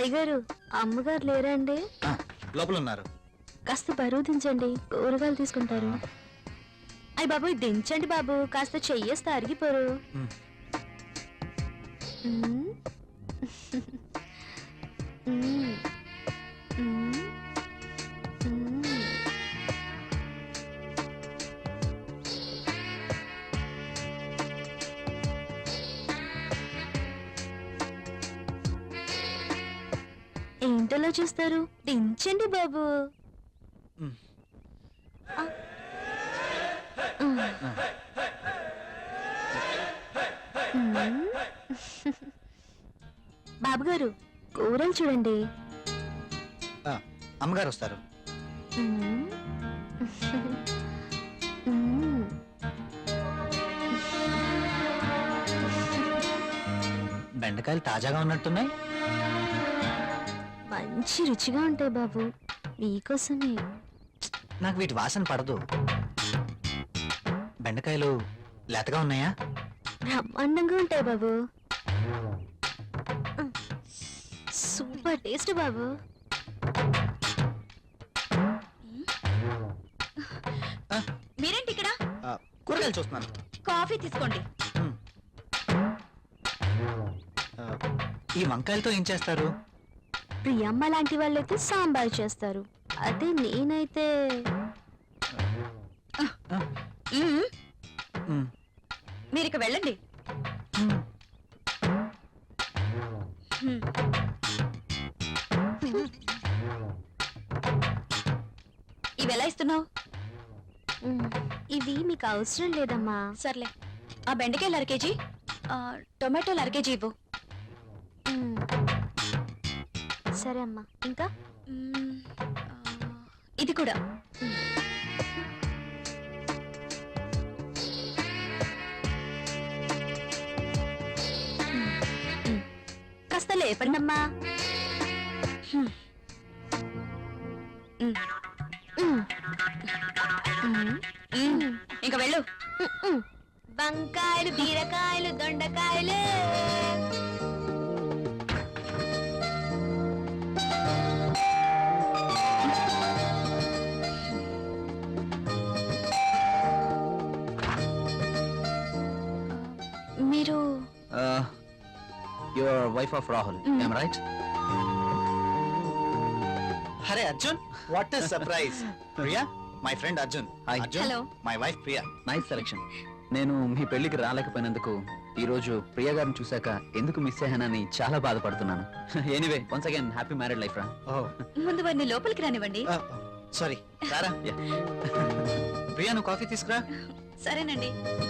అయ్యగారు అమ్మగారు లేరండి? లోపల ఉన్నారు. కాస్త బరువు దించండి, కూరగాయలు తీసుకుంటారు. అయ్య బాబు దించండి బాబు, కాస్త చెయ్యేస్తే అరిగిపోరు. ఏంటలా చూస్తారు? దించండి బాబు. బాబుగారు కూరలు చూడండి. అమ్మగారు వస్తారు. బెండకాయలు తాజాగా ఉన్నట్టున్నాయి. మంచి రుచిగా ఉంటాయి బాబు, మీకోసమే. నాకు వీటి వాసన పడదు. బెండకాయలు లేతగా ఉన్నాయా? బ్రహ్మాండంగా ఉంటాయి బాబు, సూపర్ టేస్ట్ బాబు. మీరేంటి ఇక్కడ? కూరగాయలు చూస్తున్నాను. కాఫీ తీసుకోండి. ఈ వంకాయలతో ఏం చేస్తారు? ప్రియమ్మ లాంటి వాళ్ళైతే సాంబార్ చేస్తారు, అదే నేనైతే మీరు ఇక వెళ్ళండి. ఇవి ఎలా ఇస్తున్నావు? ఇవి మీకు అవసరం లేదమ్మా. సర్లే, ఆ బెండకాయలు 1/2 కేజీ, టొమాటోలు 1/2 కేజీ ఇవ్వు. సరే అమ్మా. ఇంకా ఇది కూడా. కాస్త లేపండి అమ్మా. ఇంకా వెళ్ళు. వంకాయలు, బీరకాయలు, దొండకాయలు. మీరు your wife of Rahul, I'm right? హరే Arjun, what is surprise. Priya, my friend Arjun. Hi Arjun. Hello. My wife Priya. Nice selection. నేను మీ పెళ్లికి రాలేకపోయినందుకు ఈ రోజు ప్రియా గారిని చూశాక ఎందుకు మిస్ అయ్యానని చాలా బాధపడుతున్నాను. Anyway, once again happy married life రా. ముందు వారిని లోపలికి రానివ్వండి. సారీ, రారా. ప్రియా, నువ్వు కాఫీ తీసుకురా. సరేనండి.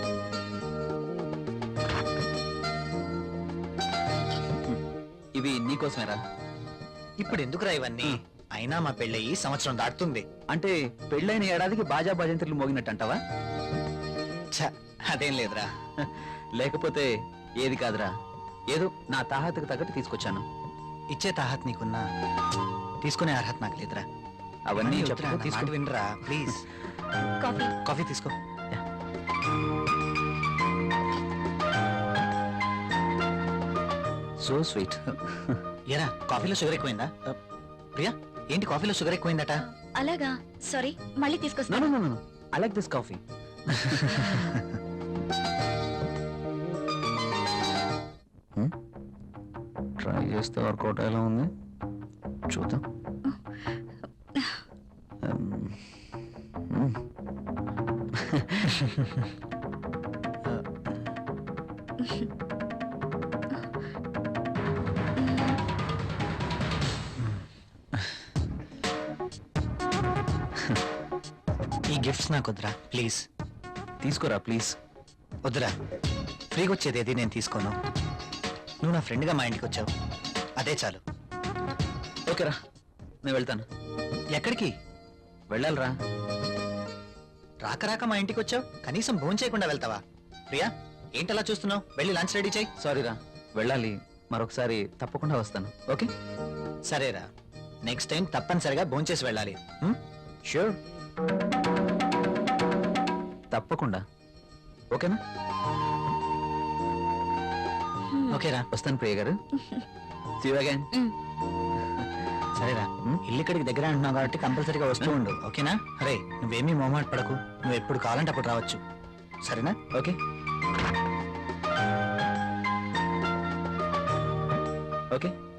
ఇవి నీకోసమేరా. ఇప్పుడు ఎందుకురా ఇవన్నీ? అయినా మా పెళ్ళయి సంవత్సరం దాటుతుంది. అంటే పెళ్ళైన ఏడాదికి బాజా భజంత్రులు మోగినట్టు అంటావా? అదేం లేదురా. లేకపోతే ఏది కాదురా, ఏదో నా తాహతకు తగ్గట్టు తీసుకొచ్చాను. ఇచ్చే తాహత్ నీకున్నా, తీసుకునే అర్హత నాకు లేదురా. అవన్నీ చెప్తా, తీసుకు. వినరా ప్లీజ్. కాఫీ. కాఫీ తీసుకో. So sweet. ఏరా, కాఫీలో షుగర్ ఎక్కువైందా? ప్రియా, ఏంటి కాఫీలో షుగర్ ఎక్కువైందట? అలాగా, సారీ, మళ్ళీ తీసుకొస్తాను. No, I like this coffee. Try చేస్తే వర్కౌట్ ఎలా ఉంది చూద్దాం. ఈ గిఫ్ట్స్ నాకు వద్దురా ప్లీజ్. తీసుకోరా ప్లీజ్. వద్దురా, ఫ్రీగా వచ్చేది ఏది నేను తీసుకోను. నువ్వు నా ఫ్రెండ్గా మా ఇంటికి వచ్చావు, అదే చాలు. ఓకేరా, నేను వెళ్తాను. ఎక్కడికి వెళ్ళాలిరా. రాక రాక మా ఇంటికి వచ్చావు, కనీసం భోజనం చేయకుండా వెళ్తావా? ప్రియా, ఏంటలా చూస్తున్నావు? వెళ్ళి లంచ్ రెడీ చేయి. సారీరా, వెళ్ళాలి. మరొకసారి తప్పకుండా వస్తాను. ఓకే? సరేరా, నెక్స్ట్ టైం తప్పనిసరిగా భోజనం చేసి వెళ్ళాలి. ష్యూర్, తప్పకుండా. ఓకేనా? ఓకేరా, వస్తాను ప్రియ గారు. See you again. సరేరా ఇల్లు ఇక్కడికి దగ్గర అంటున్నావు కాబట్టి కంపల్సరీగా వస్తూ ఉండు ఓకేనా? అరే నువ్వేమీ మొహమాట పడకు, నువ్వు ఎప్పుడు కావాలంటే అప్పుడు రావచ్చు, సరేనా? Okay okay